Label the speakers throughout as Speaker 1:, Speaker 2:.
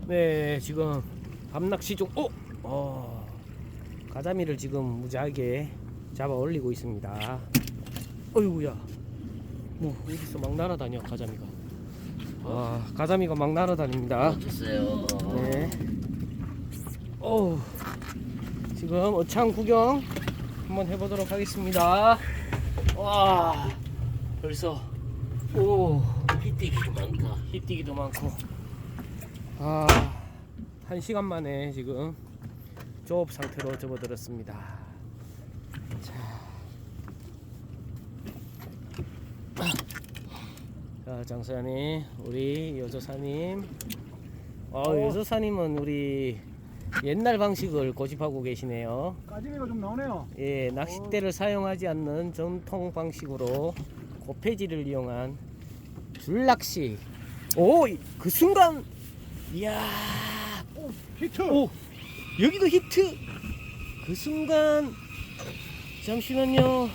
Speaker 1: 네, 지금 밤낚시 중, 가자미를 지금 무지하게 잡아 올리고 있습니다. 어이구야, 뭐 어디서 막 날아다녀 가자미가. 가자미가 막 날아다닙니다.
Speaker 2: 주세요.
Speaker 1: 네. 지금 어창 구경 한번 해보도록 하겠습니다. 와, 벌써
Speaker 2: 히띠기도 많다.
Speaker 1: 히뛰기도 많고. 1시간 만에 지금 조업 상태로 접어들었습니다. 자, 장사님, 우리 여조사님. 여조사님은 우리 옛날 방식을 고집하고 계시네요.
Speaker 3: 가지미가 좀 나오네요.
Speaker 1: 예, 낚싯대를 사용하지 않는 전통 방식으로 고폐지를 이용한 줄낚시. 그 순간, 이야,
Speaker 3: 히트!
Speaker 1: 여기도 히트. 그 순간, 잠시만요.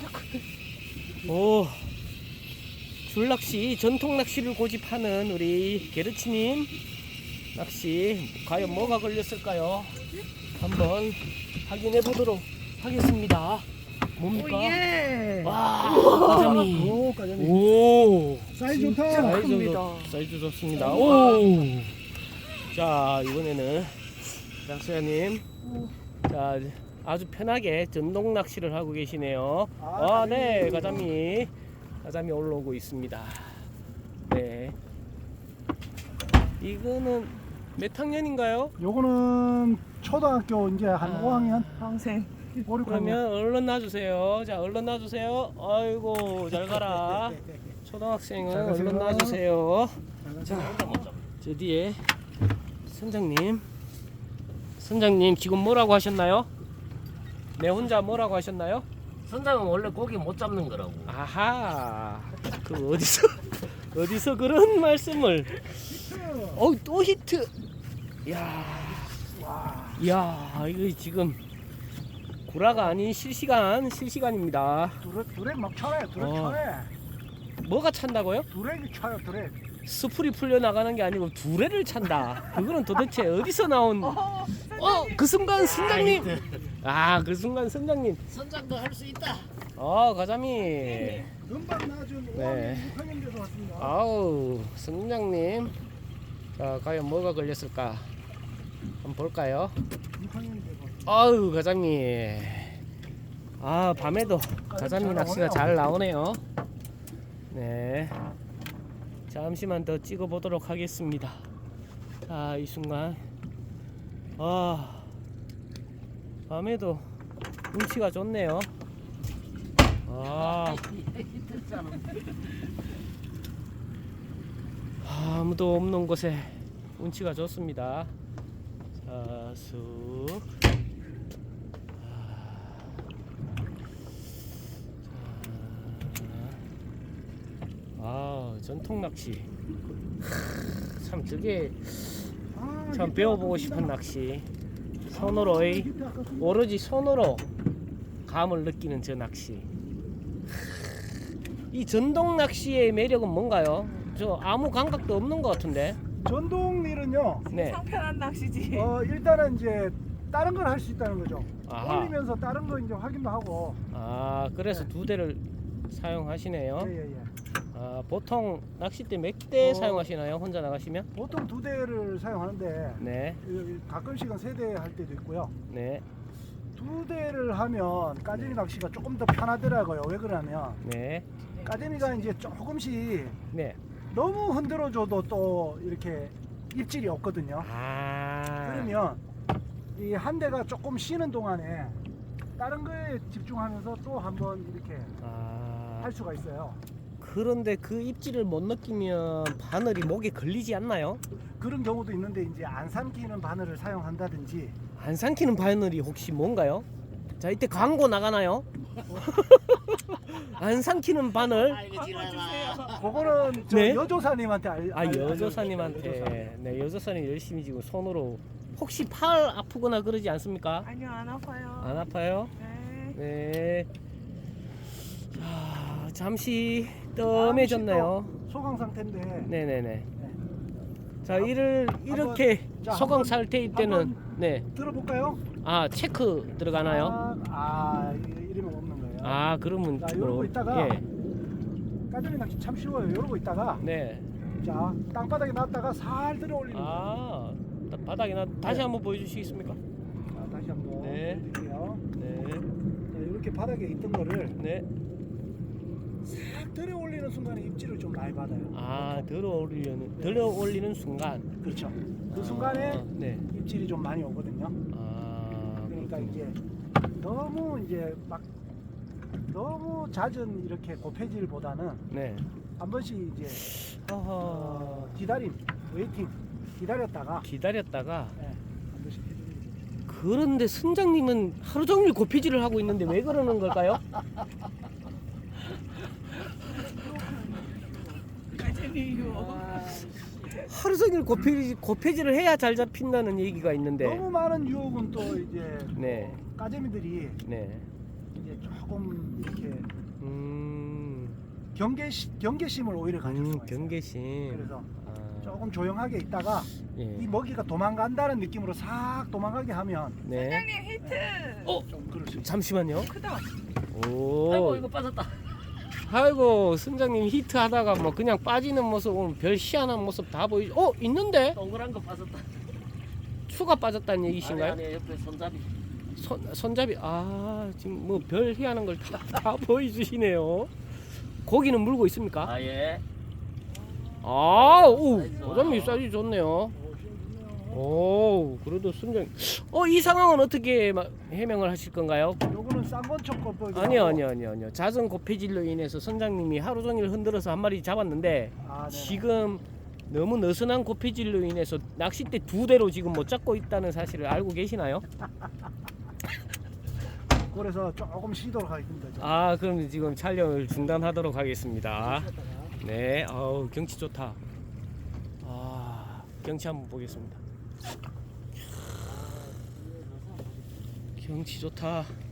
Speaker 1: 줄낚시, 전통 낚시를 고집하는 우리 게르치님 낚시 과연 뭐가 걸렸을까요? 한번 확인해 보도록 하겠습니다. 뭡니까? 가자미.
Speaker 3: 가자미. 사이즈 좋다.
Speaker 1: 사이즈 좋습니다. 자, 이번에는 장수야님, 자, 아주 편하게 전동 낚시를 하고 계시네요. 네, 가자미 올라오고 있습니다. 네. 이거는 몇 학년인가요?
Speaker 3: 요거는 초등학교 이제 한 5학년?
Speaker 4: 평생.
Speaker 3: 5, 6학년.
Speaker 1: 그러면 얼른 놔주세요. 자, 얼른 놔주세요. 아이고, 잘 가라. 초등학생은
Speaker 3: 잘 가세요.
Speaker 1: 얼른 놔주세요. 자, 저 뒤에 선장님 지금 뭐라고 하셨나요? 내 혼자 뭐라고 하셨나요?
Speaker 2: 선장은 원래 고기 못 잡는 거라고.
Speaker 1: 아하, 그 어디서 그런 말씀을? 또 히트. 이야, 이거 지금 구라가 아닌 실시간입니다.
Speaker 3: 드랙 막 쳐요. 드랙 쳐요.
Speaker 1: 뭐가 찬다고요?
Speaker 3: 드랙이 쳐요. 드랙.
Speaker 1: 스풀이 풀려 나가는 게 아니고 두레를 찬다. 그거는 도대체 어디서 나온? 그 순간 선장님. 그 순간 선장님.
Speaker 2: 선장도 할 수 있다.
Speaker 1: 가자미.
Speaker 3: 금방 나준
Speaker 1: 네.
Speaker 3: 6학년 돼서 왔습니다.
Speaker 1: 선장님. 자, 과연 뭐가 걸렸을까? 한번 볼까요?
Speaker 3: 6학년 돼서.
Speaker 1: 가자미. 밤에도 가자미 낚시가 잘 나오네요. 네. 잠시만 더 찍어 보도록 하겠습니다. 이 순간. 밤에도 운치가 좋네요. 아무도 없는 곳에 운치가 좋습니다. 자, 쑥. 전통 낚시. 참 저게 참 배워보고 싶은 낚시. 오로지 손으로 감을 느끼는 저 낚시. 이 전동 낚시의 매력은 뭔가요? 저 아무 감각도 없는 것 같은데.
Speaker 3: 전동릴은요.
Speaker 1: 네.
Speaker 4: 상편한 낚시지.
Speaker 3: 일단은 이제 다른 걸 할 수 있다는 거죠.
Speaker 1: 아하.
Speaker 3: 올리면서 다른 거 이제 확인도 하고.
Speaker 1: 그래서 두 대를 사용하시네요.
Speaker 3: 예.
Speaker 1: 보통 낚싯대 몇 대 사용하시나요? 혼자 나가시면?
Speaker 3: 보통 2대를 사용하는데
Speaker 1: 네.
Speaker 3: 가끔씩은 3대 할 때도 있고요.
Speaker 1: 네.
Speaker 3: 2대를 하면 까재미 낚시가 조금 더 편하더라고요. 왜 그러냐면
Speaker 1: 네.
Speaker 3: 까재미가 이제 조금씩
Speaker 1: 네.
Speaker 3: 너무 흔들어줘도 또 이렇게 입질이 없거든요. 그러면 이 한 대가 조금 쉬는 동안에 다른 거에 집중하면서 또 한번 이렇게 할 수가 있어요.
Speaker 1: 그런데 그 입질을 못 느끼면 바늘이 목에 걸리지 않나요?
Speaker 3: 그런 경우도 있는데 이제 안 삼키는 바늘을 사용한다든지.
Speaker 1: 안 삼키는 바늘이 혹시 뭔가요? 자, 이때 광고 나가나요? 안 삼키는 바늘?
Speaker 3: 그거는 저
Speaker 1: 네?
Speaker 3: 여조사님한테
Speaker 1: 여조사님한테. 네, 여조사님 열심히 지금 손으로. 혹시 팔 아프거나 그러지 않습니까?
Speaker 4: 아니요, 안 아파요.
Speaker 1: 안 아파요?
Speaker 4: 네.
Speaker 1: 네. 자, 잠시 뜸해졌네요.
Speaker 3: 소강 상태인데.
Speaker 1: 네네네. 자, 이를 이렇게
Speaker 3: 자,
Speaker 1: 소강
Speaker 3: 한번-
Speaker 1: 상태일 때는
Speaker 3: 한번
Speaker 1: 네.
Speaker 3: 들어볼까요?
Speaker 1: 아, 체크 들어가나요?
Speaker 3: 이러면 없는 거예요.
Speaker 1: 아, 그러면
Speaker 3: 자, 이러고 있다가
Speaker 1: 예.
Speaker 3: 까자미 낚시 참 쉬워요. 이러고 있다가
Speaker 1: 네.
Speaker 3: 자, 땅바닥에 놨다가 살 들어 올리는 거예요.
Speaker 1: 아, 바닥이나 다시
Speaker 3: 네.
Speaker 1: 한번 보여 주시겠습니까?
Speaker 3: 자, 다시 한번
Speaker 1: 네.
Speaker 3: 보여드릴게요.
Speaker 1: 네.
Speaker 3: 자, 이렇게 바닥에 있던 거를
Speaker 1: 네.
Speaker 3: 싹 들어 올리는 순간에 입질을 좀 많이 받아요.
Speaker 1: 아, 들어 올리는 순간.
Speaker 3: 그렇죠. 그
Speaker 1: 아,
Speaker 3: 순간에
Speaker 1: 네.
Speaker 3: 입질이 좀 많이 오거든요.
Speaker 1: 아,
Speaker 3: 그러니까
Speaker 1: 그렇군요.
Speaker 3: 이제 너무 이제 막 너무 잦은 이렇게 고폐질보다는
Speaker 1: 네.
Speaker 3: 한 번씩 이제 기다림, 웨이팅 기다렸다가
Speaker 1: 기다렸다가
Speaker 3: 네, 한 번씩 해주는 거죠.
Speaker 1: 그런데 선장님은 하루 종일 고피질을 하고 있는데 왜 그러는 걸까요? 하루 종일 고피질을 해야 잘 잡힌다는 얘기가 있는데.
Speaker 3: 너무 많은 유혹은 또 이제
Speaker 1: 네.
Speaker 3: 까재미들이
Speaker 1: 네.
Speaker 3: 이제 조금 이렇게
Speaker 1: 음.
Speaker 3: 경계심을 오히려 가질 수가 있어요.
Speaker 1: 경계심.
Speaker 3: 그래서
Speaker 1: 아,
Speaker 3: 조금 조용하게 있다가
Speaker 1: 예.
Speaker 3: 이 먹이가 도망간다는 느낌으로 싹 도망가게 하면
Speaker 1: 네.
Speaker 4: 사장님 히트.
Speaker 3: 좀 그럴 수 있어요.
Speaker 1: 잠시만요.
Speaker 4: 크다.
Speaker 1: 오.
Speaker 2: 아이고 이거 빠졌다.
Speaker 1: 아이고, 선장님 히트 하다가 뭐 그냥 빠지는 모습 오늘 별 희한한 모습 다 보이죠? 있는데?
Speaker 2: 동그란 거 빠졌다.
Speaker 1: 추가 빠졌다는 얘기신가요?
Speaker 2: 아니 옆에 손잡이.
Speaker 1: 손잡이 지금 뭐 별 희한한 걸 다 보여주시네요. 고기는 물고 있습니까?
Speaker 2: 아 예.
Speaker 1: 오,
Speaker 2: 사이즈
Speaker 1: 어장미
Speaker 2: 좋아요.
Speaker 1: 사이즈 좋네요. 오, 그래도 순정. 이 상황은 어떻게 해명을 하실 건가요?
Speaker 3: 요거는 쌍권촉 거법이
Speaker 1: 아니요. 잦은 고폐질로 인해서 선장님이 하루 종일 흔들어서 한 마리 잡았는데 지금 너무 느슨한 고폐질로 인해서 낚싯대 2대로 지금 못 잡고 있다는 사실을 알고 계시나요?
Speaker 3: 그래서 조금 쉬도록 하겠습니다.
Speaker 1: 그럼 지금 촬영을 중단하도록 하겠습니다. 네, 경치 좋다. 경치 한번 보겠습니다. 경치 좋다.